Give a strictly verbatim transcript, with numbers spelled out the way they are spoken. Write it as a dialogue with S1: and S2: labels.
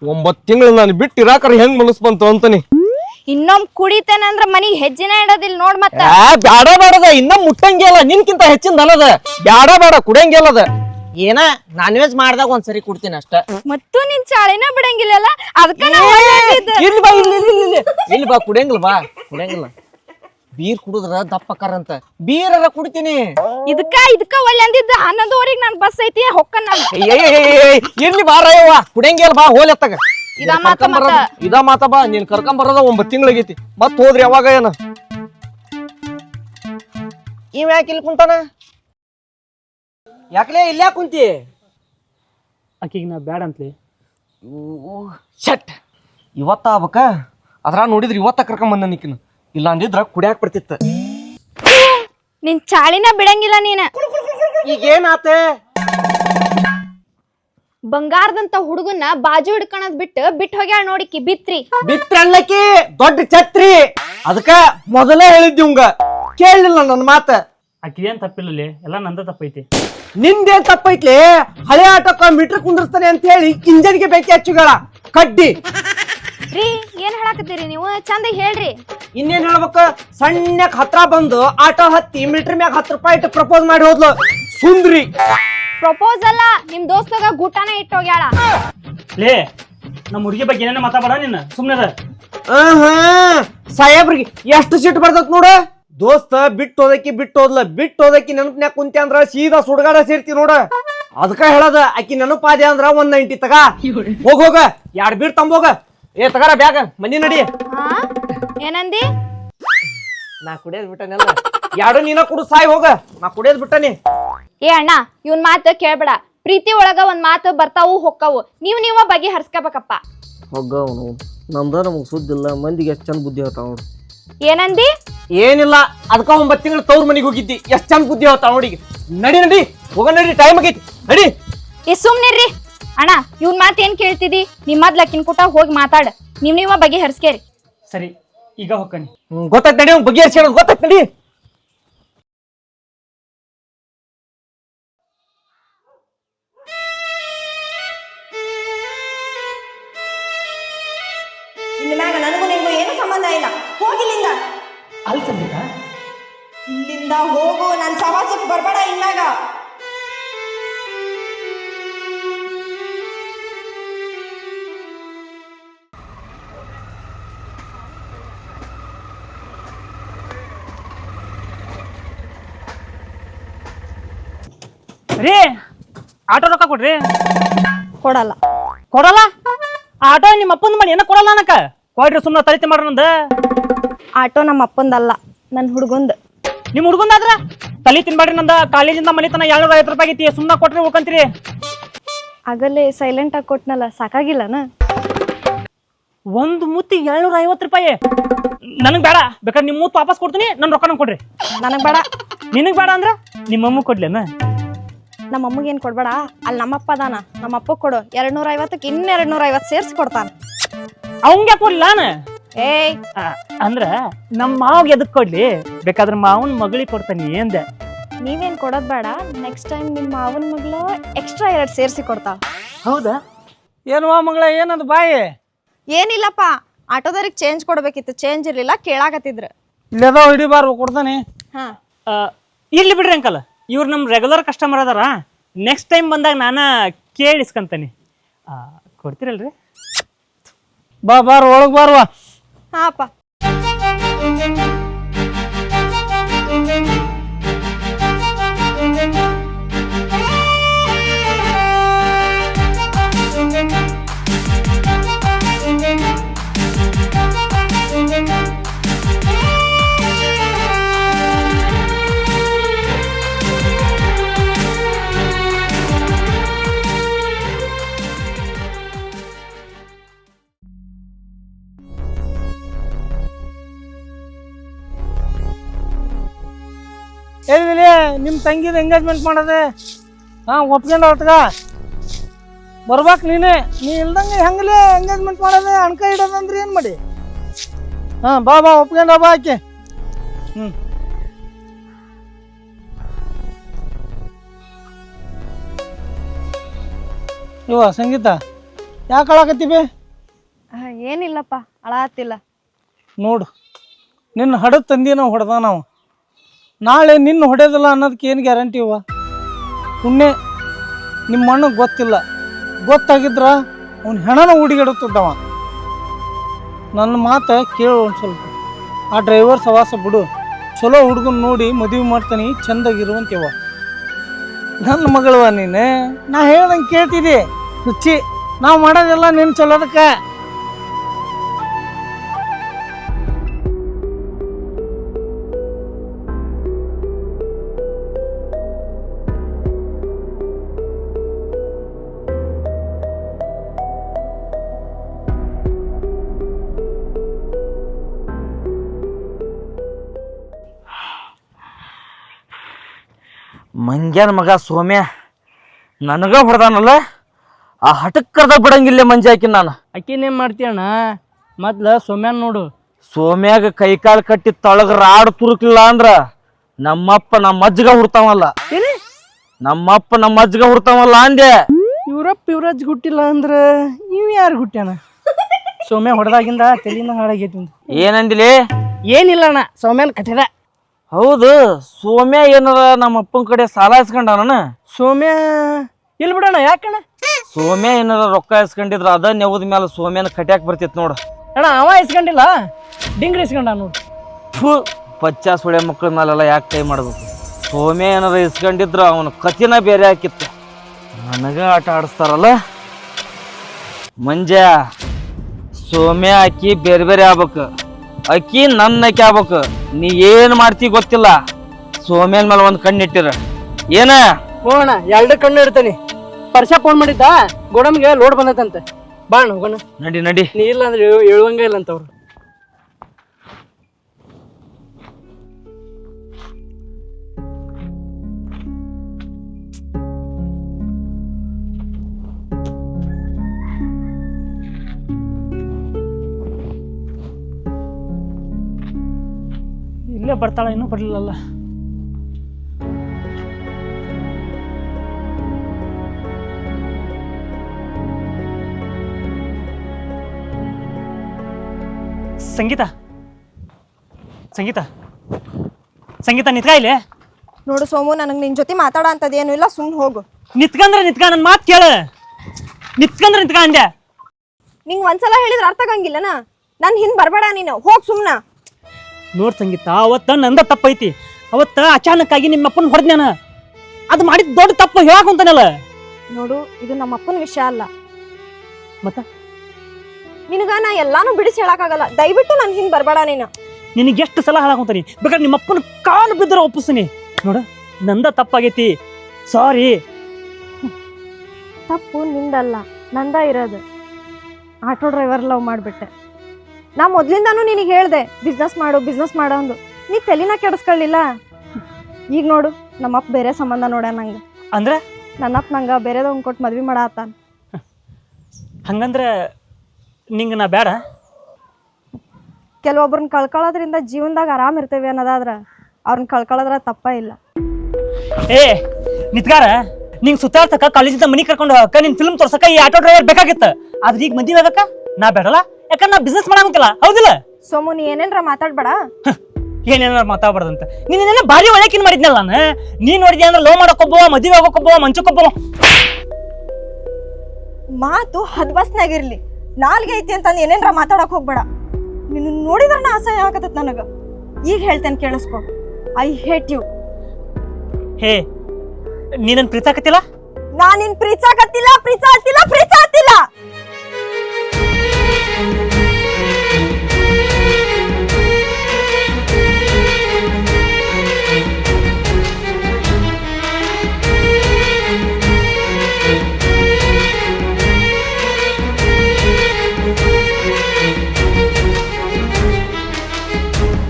S1: ಒಂಬತ್ತು ತಿಂಗಳು ನಾನು ಬಿಟ್ಟು ಇರಾಕರ ಹೆಂಗ್ ಮನಸ್ ಬಂತು ಅಂತಾನೆ.
S2: ಇನ್ನೊಮ್ಮೆ ಕುಡಿತೇನೆ ಅಂದ್ರ ಮನಿಗ್ ಹೆಜ್ಜಿನ ಇಡೋದಿಲ್ಲ ನೋಡ್ ಮತ್ತ.
S1: ಬ್ಯಾಡ ಬೇಡದ ಇನ್ನ ಮುಟ್ಟಂಗಿಲ್ಲ ನಿನ್ಕಿಂತ ಹೆಚ್ಚಿಂದ ಅಲ್ಲದ. ಬ್ಯಾಡ ಬೇಡ ಕುಡಿಯಂಗಿಲ್ಲದ.
S3: ಏನ ನಾನ್ ವೆಜ್ ಮಾಡ್ದಾಗ ಒಂದ್ಸರಿ ಕುಡ್ತೀನಿ ಅಷ್ಟ.
S2: ಮತ್ತು ನಿನ್ ಚಾಳಿನ ಬಿಡಂಗಿಲ್ಲಲ್ಲ ಅದಕ್ಕ
S1: ಇಲ್ಲಿ ಬಾ ಇಲ್ಲಿ ಇಲ್ಲಿ ಇಲ್ಲಿ ಬಾ ಕುಡಿಯಂಗಿಲ್ಲ ಬಾ ಕುಡಿಯಂಗಿಲ್ಲ. ಬೀರ್ ಕುಡಿದ್ರ ದಪ್ಪಕ್ಕಾರಂತ ಬೀರರ ಕುಡಿತೀನಿ.
S2: ಇದಕ್ಕ ಇದಕ್ಕ ಒಳ್ಳೆ ಅಂದಿದ್ದ ಹನ್ನೊಂದುವರೆಗೆ ನನ್ ಬಸ್ ಐತಿ ಹೊಕ್ಕನ್ ನಾನು.
S1: ಇರ್ಲಿ ಬಾರಯ್ಯವ್ವ ಕುಡಿಯಂಗಿಲ್ಲ ಬಾ ಹೋಲ್ ಎತ್ತಾಗ.
S2: ಇದ ಮಾತ ಮತ್ತ
S1: ಇದ ಮಾತ ಬಾ ನೀನ್ ಕರ್ಕೊಂಡ್ ಬರೋದ ಒಂಬತ್ ತಿಂಗಳಾಗೈತಿ. ಮತ್ ಹೋದ್ರಿ ಯಾವಾಗ ಏನ
S3: ಇವ್ ಯಾಕೆ ಇಲ್ಲಿ ಕುಂತಾನ? ಯಾಕಲೇ ಇಲ್ಲೇ ಕುಂತಿ?
S4: ಆಕಿಗೆ ನಾ ಬ್ಯಾಡ ಅಂತಲಿ.
S1: ಶಟ್ ಇವತ್ತ ಆಗ್ಬೇಕ ಅದ್ರ ನೋಡಿದ್ರಿ ಇವತ್ತ ಕರ್ಕೊಂಡ್ ಬಂದ ನಿಕ್ಕಿನ. ಇಲ್ಲ ಅಂದಿದ್ರ ಕುಡಿಯಾಕ ಬರ್ತಿತ್ತ.
S2: ನಿನ್ ಚಾಳಿನ ಬಿಡಂಗಿಲ್ಲ ನೀನ.
S3: ಈಗೇನಾತ?
S2: ಬಂಗಾರದಂತ ಹುಡುಗನ್ನ ಬಾಜು ಹಿಡ್ಕೊಳದ್ ಬಿಟ್ಟು ಬಿಟ್ಟು ಹೋಗ್ಯಾಳ ನೋಡಿಕಿ ಬಿತ್ರಿ.
S3: ಬಿತ್ರಲ್ಲಕಿ ದೊಡ್ಡ ಛತ್ರಿ. ಅದಕ್ಕ ಮೊದಲೇ ಹೇಳಿದ್ದಿ ಉಂಗ ಕೇಳಲಿಲ್ಲ ನನ್ನ ಮಾತ.
S4: ಆಕಿದೇನ್ ತಪ್ಪಿಲ್ಲಲಿ, ಎಲ್ಲ ನಂದ ತಪ್ಪೈತಿ.
S3: ನಿಂದೇನ್ ತಪ್ಪೈತ್ಲಿ? ಹಳೆ ಆಟೋಕ್ಕ ಮೀಟರ್ ಕುಂದಿರ್ತಾನೆ ಅಂತ ಹೇಳಿ ಇಂಜನ್ಗೆ ಬೇಕಿ ಹಚ್ಚುಗಳ ಕಡ್ಡಿ.
S2: ರೀ ಏನ್ ಹೇಳಾಕತ್ತೀರಿ ನೀವು? ಚಂದ ಹೇಳ್ರಿ.
S3: ಇನ್ನೇನ್ ಹೇಳ್ಬೇಕ? ಸಣ್ಣಕ್ ಹತ್ರ ಬಂದು ಆಟೋ ಹತ್ತಿ ಮೀಟರ್ ಮ್ಯಾಗ ಹತ್ತು ರೂಪಾಯಿ ಇಟ್ಟು ಪ್ರಪೋಸ್ ಮಾಡಿ ಹೋದ್ಲು ಸುಂದ್ರಿ.
S2: ಪ್ರಪೋಸಲ್ಲ ನಿಮ್ ದೋಸ್ತಗ ಗೂಟಾನ ಇಟ್ಟೋಗ್ಯಾಳ.
S4: ಲೇ ನಮ್ಮ ಹುಡುಗಿ ಬಗ್ಗೆ ಏನೇನ ಮಾತಾಡ ನಿನ್ನ ಸುಮ್ನೆ.
S3: ಸಾಹೇಬ್ರಿಗೆ ಎಷ್ಟು ಸಿಟ್ಟು ಬರ್ತತ್ ನೋಡ. ದೋಸ್ತ ಬಿಟ್ಟು ಹೋದಕ್ಕಿ ಬಿಟ್ಟು ಹೋದ್ಲ ಬಿಟ್ಟು ಹೋದಕ್ಕಿ ನೆನಪನ್ಯಾಗ ಕುಂತಿ ಅಂದ್ರ ಸೀದಾ ಸುಡ್ಗಾಡ ಸೇರ್ತಿ ನೋಡ. ಅದಕ್ಕ ಹೇಳದ ಆಕಿ ನೆನಪಾದೆ ಅಂದ್ರ ಒಂದ್ ನೈಂಟಿ ತಗ ಹೋಗ ಹೋಗ ಎರಡ್ ಬೀರ್ ತಂಬೋಗ. ಏ ತಗಾರ ಬ್ಯಾಗ ಮನಿ ನಡಿ.
S2: ಏನಂದಿ?
S3: ನಾ ಕುಡಿಯೋದ್ ಬಿಟ್ಟನೆಲ್ಲ ಎರಡು ನೀನ ಕುಡು ಸಾಯಿ ಹೋಗ. ನಾ ಕುಡಿಯೋದ್ ಬಿಟ್ಟನಿ.
S2: ಏ ಅಣ್ಣ ಇವನ್ ಮಾತು ಕೇಳ್ಬೇಡ. ಪ್ರೀತಿ ಒಳಗ ಒಂದ್ ಮಾತು ಬರ್ತಾವು ಹೊಕ್ಕವು. ನೀವ್ ನೀವ ಬಗೆ ಹರ್ಸ್ಕೋಬೇಕಪ್ಪ.
S1: ಹೋಗ ಅವನು ನಮ್ದ ನಮಗ್ ಸುದ್ದಿಲ್ಲ. ಮಂದಿಗೆ ಎಷ್ಟ್ ಚಂದ ಬುದ್ಧಿ ಹೇಳ್ತಾವ ನೋಡಿ.
S2: ಏನಂದಿ?
S3: ಏನಿಲ್ಲ ಅದಕ್ಕ ಒಂಬತ್ ತಿಂಗಳು ತವ್ರ ಮನಿಗ್ ಹೋಗಿದ್ದಿ. ಎಷ್ಟ್ ಚಂದ ಬುದ್ಧಿ ಹೇಳ್ತಾವ ನೋಡಿಗೆ. ನಡಿ ನಡಿ ಹೋಗ ನಡಿ ಟೈಮ್ ಆಗೈತಿ ನಡಿ.
S2: ಈ ಸುಮ್ನಿರ್ರಿ ಅಣ್ಣ. ಇವ್ನ್ ಮಾತ್ ಏನ್ ಕೇಳ್ತಿದಿ? ನಿಮ್ಮದ್ ಲಕ್ಕಿನ ಕೂಟ ಹೋಗಿ ಮಾತಾಡ. ನೀವ್ ನೀವ ಬಗೆ ಹರ್ಸ್ಕೇರಿ.
S4: ಸರಿ ಈಗ ಹೊಕ್ಕನಿ.
S3: ಗೊತ್ತಾಯ್ತು ನಡಿ. ಅವ್ನು ಬಗ್ಗೆ ಹರ್ಸಿ ಗೊತ್ತಾಯ್ತು ನಡಿ.
S5: ಇನ್ಮ್ಯಾಗ ನನಗೂ ನಿಮಗೂ ಏನು ಸಂಬಂಧ ಇಲ್ಲ. ಹೋಗಿಲ್ಲಿಂದ.
S4: ಅಲ್ಲಿ ಸಂಗೀತ
S5: ಇಲ್ಲಿಂದ ಹೋಗು. ನನ್ ಸವಾಸಕ್ಕೆ ಬರ್ಬೇಡ ಇನ್ಮ್ಯಾಗ.
S4: ರೀ ಆಟೋ ರೊಕ್ಕ ಕೊಡ್ರಿ.
S2: ಕೊಡಲ್ಲ.
S4: ಕೊಡಲ್ಲ? ಆಟೋ ನಿಮ್ಮ ಅಪ್ಪಂದ ಮಾಡಿ ಏನ ಕೊಡಲ್ಲ ಅನ್ನಕ ಕೊಡ್ರಿ. ಸುಮ್ಮನೆ ತರಿತಿ ಮಾಡ್ರ ನಂದ.
S2: ಆಟೋ ನಮ್ಮ ಅಪ್ಪಂದಲ್ಲ ನನ್ ಹುಡುಗಂದ್.
S4: ನಿಮ್ ಹುಡುಗಂದಾದ್ರ ತಲಿ ತಿನ್ಬೇಡ್ರಿ. ನಂದ ಕಾಲೇಜಿಂದ ಮನೆ ತನ ಏಳ್ನೂರ ಐವತ್ತು ರೂಪಾಯಿ ಐತಿ. ಸುಮ್ಮನೆ ಕೊಟ್ರಿ ಉಳ್ಕಂತೀರಿ.
S2: ಆಗಲೇ ಸೈಲೆಂಟ್ ಆಗಿ ಕೊಟ್ನಲ್ಲ ಸಾಕಾಗಿಲ್ಲನ?
S4: ಒಂದು ಮುತ್ತಿಗೆ ಏಳ್ನೂರ ಐವತ್ತು ರೂಪಾಯಿ ನನಗ್ ಬೇಡ. ಬೇಕಾದ್ರೆ ನಿಮ್ ಮೂತ್ ವಾಪಸ್ ಕೊಡ್ತೀನಿ. ನನ್ ರೊಕ್ಕ ನಂಗೆ ಕೊಡ್ರಿ.
S2: ನನಗ್ ಬೇಡ.
S4: ನಿನಗ್ ಬೇಡ ಅಂದ್ರ ನಿಮ್ಮಮ್ಮ ಕೊಡ್ಲೇನ?
S2: ನಮ್ಮ ಅಮ್ಮಗೆ ಏನ್ ಕೊಡ್ಬೇಡ. ಅಲ್ಲಿ ನಮ್ಮಪ್ಪ ಅದಾನ. ನಮ್ಮಪ್ಪ ಕೊಡು. ಎರಡ್ ನೂರ ಐವತ್ತಕ್ಕೆ ಇನ್ನ ಎರಡ್ ನೂರ ಐವತ್ತು ಸೇರ್ಸಿ ಕೊಡ್ತಾನ.
S4: ಅವಂಗ ಕೊಡ್ಲಿಲ್ಲ ನಾನು.
S2: ಏಯ್
S4: ಅಂದ್ರ ನಮ್ಮ ಮಾವ್ಗೆ ಎದಕ್ ಕೊಡ್ಲಿ? ಬೇಕಾದ್ರೆ ಮಾವನ್ ಮಗಳಿಗೆ ಕೊಡ್ತಾನಿ ಎಂದೆ.
S2: ನೀವೇನ್ ಕೊಡೋದ್ ಬೇಡ. ನೆಕ್ಸ್ಟ್ ಟೈಮ್ ನಿಮ್ಮ ಮಾವನ ಮಗಳು ಎಕ್ಸ್ಟ್ರಾ ಎರಡ್ ಸೇರ್ಸಿ ಕೊಡ್ತಾವ.
S4: ಹೌದಾ?
S3: ಏನ್ವಾ ಮಗಳ ಏನದು ಬಾಯಿ?
S2: ಏನಿಲ್ಲಪ್ಪ, ಆಟೋದವ್ರಿಗೆ ಚೇಂಜ್ ಕೊಡ್ಬೇಕಿತ್ತು. ಚೇಂಜ್ ಇರ್ಲಿಲ್ಲ ಕೇಳಾಕತ್ತಿದ್ರು.
S3: ಇಲ್ಲದ ಹಿಡಿಬಾರ ಕೊಡ್ತಾನೆ.
S2: ಹಾ
S4: ಇಲ್ಲಿ ಬಿಡ್ರಿ ಅಂಕಲ್. ಇವ್ರು ನಮ್ಮ ರೆಗ್ಯುಲರ್ ಕಸ್ಟಮರ್ ಅದಾರ. ನೆಕ್ಸ್ಟ್ ಟೈಮ್ ಬಂದಾಗ ನಾನು ಕೇಳಿಸ್ಕೊಂತಾನೆ. ಕೊಡ್ತೀರಲ್ರಿ?
S3: ಬಾ ಬಾರ ಒಳಗ್ ಬಾರ್ವಾ.
S2: ಹಾಪ
S3: ಹೇಳಿದಿಲ್ಲ ನಿಮ್ಮ ತಂಗಿದ ಎಂಗೇಜ್ಮೆಂಟ್ ಮಾಡೋದೆ. ಹಾಂ ಒಪ್ಕೊಂಡು ಹೊತ್ಗ ಬರ್ಬೇಕು ನೀನೆ. ನೀ ಇಲ್ದಂಗೆ ಹೆಂಗಲೇ ಎಂಗೇಜ್ಮೆಂಟ್ ಮಾಡೋದೆ? ಅಣ್ಕ ಇಡೋದಂದ್ರೆ ಏನು ಮಾಡಿ? ಹಾಂ ಬಾ ಬಾ ಒಪ್ಕೊಂಡು ಬಾ ಆಕೆ. ಹ್ಞೂ ಇವ ಸಂಗೀತ ಯಾಕೆ ಅಳಾಕತ್ತಿ ಬೇ?
S2: ಆ, ಏನಿಲ್ಲಪ್ಪ ಅಳಾತಿಲ್ಲ.
S3: ನೋಡು ನಿನ್ನ ಹಡದ ತಂದಿ ನಾವು ಹೊಡೆದ ನಾವು ನಾಳೆ ನಿನ್ನ ಹೊಡೆಯೋದಿಲ್ಲ ಅನ್ನೋದಕ್ಕೆ ಏನು ಗ್ಯಾರಂಟಿ ಇವ? ಪುಣ್ಯ ನಿಮ್ಮ ಅಣ್ಣಗೆ ಗೊತ್ತಿಲ್ಲ, ಗೊತ್ತಾಗಿದ್ರ ಅವ್ನ ಹೆಣನ ಹುಡುಗಿಡುತ್ತಿದ್ದವ. ನನ್ನ ಮಾತು ಕೇಳು ಒಂದು ಸ್ವಲ್ಪ. ಆ ಡ್ರೈವರ್ ಸವಾಸ ಬಿಡು, ಚಲೋ ಹುಡುಗನ್ ನೋಡಿ ಮದುವೆ ಮಾಡ್ತಾನೆ, ಚಂದಾಗಿರುವಂತೀವ. ನನ್ನ ಮಗಳವ ನೀನು, ನಾ ಹೇಳ್ದಂಗೆ ಕೇಳ್ತಿದ್ದಿ. ರುಚಿ ನಾವು ಮಾಡೋದೆಲ್ಲ ನಿನ್ನ ಚಲೋದಕ್ಕೆ.
S1: ಮಂಗ್ಯಾನ ಮಗ ಸೋಮ್ಯ ನನಗ ಹೊಡೆದಾನಲ್ಲ, ಆ ಹಟಕ್ಕರ್ದ ಬಿಡಂಗಿಲ್ಲ ಮಂಜಿ ಹಾಕಿ ನಾನು.
S3: ಅಕ್ಕಿನೇನು ಮಾಡ್ತೀಯಣ್ಣ? ಮೊದ್ಲು ಸೊಮ್ಯಾನ್ ನೋಡು.
S1: ಸೋಮ್ಯಾಗ ಕೈಕಾಲು ಕಟ್ಟಿ ತಳಗ ರಾಡ್ ತುರುಕ್ಲಿಲ್ಲ ಅಂದ್ರ ನಮ್ಮಪ್ಪ ನಮ್ಮ ಅಜ್ಜಗ ಹುಡ್ತಾವಲ್ಲ, ನಮ್ಮಪ್ಪ ನಮ್ಮ ಅಜ್ಜಗ ಹುಡ್ತಾವಲ್ಲ ಅಂದೆ.
S3: ಇವ್ರಪ್ಪ ಇವ್ರಜ್ಜ ಹುಟ್ಟಿಲ್ಲ ಅಂದ್ರೆ ಇವ್ ಯಾರು ಹುಟ್ಟ್ಯಾನ? ಸೌಮ್ಯ ಹೊಡೆದಾಗಿಂದ ತಲೆಯಿಂದ ಹಾಳಾಗೈತಿ.
S1: ಏನಂದಿಲಿ?
S3: ಏನಿಲ್ಲ ಅಣ್ಣ, ಸೌಮ್ಯನ ಕಟ್ಟಿದ.
S1: ಹೌದು, ಸೋಮ್ಯ ಏನಾರ ನಮ್ಮ ಅಪ್ಪನ ಕಡೆ ಸಾಲ ಇಸ್ಕೊಂಡಾನ?
S3: ಸೌಮ್ಯ ಇಲ್ಲಿ ಬಿಡೋಣ. ಯಾಕಣ್ಣ?
S1: ಸೋಮ್ಯ ಏನಾರ ರೊಕ್ಕ ಇಸ್ಕೊಂಡಿದ್ರ ಅದ ನೆವದ ಮೇಲೆ ಸೋಮ್ಯನ ಕಟ್ಯಾಕ್ ಬರ್ತಿತ್ ನೋಡು.
S3: ಅಣ್ಣ ಅವ ಇಸ್ಕೊಂಡಿಲ್ಲ, ಡಿಂಗ್ರಿ ಇಸ್ಕೊಂಡ ನೋಡು.
S1: ಫು ಪಚ್ಚ ಸುಳೆ ಮಕ್ಕಳ ಮೇಲೆಲ್ಲ ಯಾಕೆ ಕೈ ಮಾಡ್ಬೇಕು? ಸೋಮ್ಯ ಏನಾರ ಇಸ್ಕೊಂಡಿದ್ರ ಅವನ ಕತಿನ ಬೇರೆ ಹಾಕಿತ್ತು. ನನಗ ಆಟ ಆಡಿಸ್ತಾರಲ್ಲ ಮಂಜ. ಸೋಮ್ಯ ಅಕ್ಕಿ ಬೇರೆ ಬೇರೆ ಆಗ್ಬೇಕು, ಅಕ್ಕಿ ನನ್ನ ಅಕ್ಕಿ ಆಗ್ಬೇಕು. ನೀ ಏನ್ ಮಾಡ್ತಿ ಗೊತ್ತಿಲ್ಲ. ಸೋಮ್ಯನ ಮೇಲೆ ಒಂದ್ ಕಣ್ಣಿಟ್ಟಿರ ಏನ?
S3: ಹೋಗೋಣ, ಎರಡು ಕಣ್ಣು ಇಡ್ತಾನೆ. ಪರ್ಷ ಫೋನ್ ಮಾಡಿದ್ದ, ಗೋಡಮ್ಗೆ ಲೋಡ್ ಬಂದೈತಂತೆ. ಬಾಣ ಹೋಗೋಣ.
S1: ನಡಿ ನಡಿ.
S3: ನೀ ಇಲ್ಲ ಅಂದ್ರೆ ಹೇಳುವಂಗ ಇಲ್ಲ ಅಂತವ್ರು. ಇಲ್ಲೇ ಬರ್ತಾಳ, ಇನ್ನೂ ಬರ್ಲಿಲ್ಲಲ್ಲ.
S4: ಸಂಗೀತ ಸಂಗೀತ ಸಂಗೀತ ನಿತ್ಕ ಇಲ್ಲಿ.
S2: ನೋಡು ಸೋಮು, ನನಗೆ ನಿನ್ ಜೊತೆ ಮಾತಾಡ ಅಂತದೇನು ಇಲ್ಲ, ಸುಮ್ಮನೆ ಹೋಗು.
S4: ನಿತ್ಕಂದ್ರೆ ನಿತ್ಕ, ನನ್ನ ಮಾತು ಕೇಳ. ನಿತ್ಕಂದ್ರೆ ನಿತ್ಕ ಅಂದೆ.
S2: ನಿಂಗೆ ಒಂದ್ಸಲ ಹೇಳಿದ್ರೆ ಅರ್ಥ ಆಗಂಗಿಲ್ಲನ? ನಾನು ಹಿಂದೆ ಬರಬೇಡ, ನೀನು ಹೋಗ್ ಸುಮ್ನ.
S4: ನೋಡ್ ಸಂಗೀತ, ಅವತ್ತ ನಂದ ತಪ್ಪೈತಿ. ಅವತ್ತ ಅಚಾನಕ್ಕಾಗಿ ನಿಮ್ಮ ಅಪ್ಪನ ಹೊಡೆದ್ ನಾನು. ಅದು ಮಾಡಿದ ದೊಡ್ಡ ತಪ್ಪು ಹೇಳಕ್ ಅಂತಾನಲ್ಲ.
S2: ನೋಡು, ಇದು ನಮ್ಮ ಅಪ್ಪನ ವಿಷಯ ಅಲ್ಲ.
S4: ಮತ್ತ
S2: ನಿನಗ ನಾ ಎಲ್ಲಾನು ಬಿಡಿಸಿ ಹೇಳಕ್ಕಾಗಲ್ಲ. ದಯವಿಟ್ಟು ನನ್ ಹಿಂದ್ ಬರಬೇಡ ನೀನು.
S4: ನಿನಗೆ ಎಷ್ಟು ಸಲ ಹಾಳಾಕೊಂತಾನಿ, ಬೇಕಾದ್ರೆ ನಿಮ್ಮ ಅಪ್ಪನ ಕಾಲು ಬಿದ್ದರೆ ಒಪ್ಪಿಸ್ತೀನಿ. ನೋಡ, ನಂದ ತಪ್ಪಾಗೈತಿ, ಸಾರಿ.
S2: ತಪ್ಪು ನಿಂದಲ್ಲ, ನಂದ ಇರೋದು. ಆಟೋ ಡ್ರೈವರ್ ಲವ್ ಮಾಡಿಬಿಟ್ಟೆ. ನಾ ಮೊದ್ಲಿಂದಾನು ನಿನಗೆ ಹೇಳ್ದೆ ಬಿಸ್ನೆಸ್ ಮಾಡು ಬಿಸ್ನೆಸ್ ಮಾಡು ಅಂದು. ನೀ ತಲೆನ ಕೆಡಿಸ್ಕೊಳ್ಳಿಲ್ಲ. ಈಗ ನೋಡು, ನಮ್ಮಪ್ಪ ಬೇರೆ ಸಂಬಂಧ ನೋಡ ನಂಗೆ.
S4: ಅಂದ್ರೆ
S2: ನನ್ನಪ್ಪ ನಂಗೆ ಬೇರೆದವ್ನ ಕೊಟ್ಟು ಮದ್ವೆ ಮಾಡತ್ತಾನ.
S4: ಹಂಗಂದ್ರೆ ನಿಂಗೆ ನಾ ಬೇಡ?
S2: ಕೆಲವೊಬ್ರನ್ನ ಕಳ್ಕೊಳ್ಳೋದ್ರಿಂದ ಜೀವನದಾಗ ಆರಾಮ್ ಇರ್ತೇವೆ ಅನ್ನೋದಾದ್ರ ಅವ್ರನ್ನ ಕಳ್ಕೊಳ್ಳೋದ್ರ ತಪ್ಪ ಇಲ್ಲ.
S4: ಏ ನಿತ್ಗಾರ, ನಿಂಗೆ ಸುತ್ತಾಡ್ಸಕ ಕಾಲೇಜಿಂದ ಮನಿ ಕರ್ಕೊಂಡು ಹೋಗಕ್ಕ, ನಿನ್ ಫಿಲ್ಮ್ ತೋರ್ಸಕ ಈ ಆಟೋ ಡ್ರೈವರ್ ಬೇಕಾಗಿತ್ತ. ಆದ್ರೆ ಈಗ ಮದ್ವೆ ಆಗಕ್ಕ ನಾ ಬೇಡಲ್ಲ, ಯಾಕಂದ್ರೆ ನಾ ಬಿಸ್ನೆಸ್ ಮಾಡಂಗಿಲ್ಲ. ಹೌದಿಲ್ಲ
S2: ಸೋಮು, ನೀ ಏನೇನ್ರ ಮಾತಾಡ್ಬೇಡ.
S4: ಏನೇನಾರ ಮಾತಾಡ್ಬಾರ್ದಂತ. ನೀನೇನ ಭಾರಿ ಒಳಕಿನ್ ಮಾಡಿದ್ನಲ್ಲ ನಾನು. ನೀನ್ ನೋಡಿದ್ಯಾ ಅಂದ್ರೆ ಲವ್ ಮಾಡಕ್ಕೊಬ್ಬವ, ಮದ್ವೆ ಆಗೋಕ್ಕೊಬ್ಬವ, ಮಂಚಕ್ಕೊಬ್ಬವ.
S2: ಮಾತು ಹದ್ಬಸ್ನಾಗಿರ್ಲಿ, ನಾಲ್ಗೆ ಐತಿ ಅಂತಂದು ಏನೇನ್ರ ಮಾತಾಡಕ್ ಹೋಗ್ಬೇಡ. ನಿನ್ನ ನೋಡಿದ್ರ ನಾ ಅಸಹ್ಯ ಆಗತ್ತ ನನಗ. ಈಗ ಹೇಳ್ತೇನೆ ಕೇಳಿಸ್ಕೊ, ಐ ಹೇಟ್ ಯು.
S4: ಹೇ, ನೀನನ್ ಪ್ರೀತಾಕತ್ತಿಲ್ಲ?
S2: ನಾ ನಿನ್ ಪ್ರೀಚಾಕತ್ತಿಲ್ಲ, ಪ್ರೀಚಾತಿಲ್ಲ, ಪ್ರೀಚಾತಿಲ್ಲ.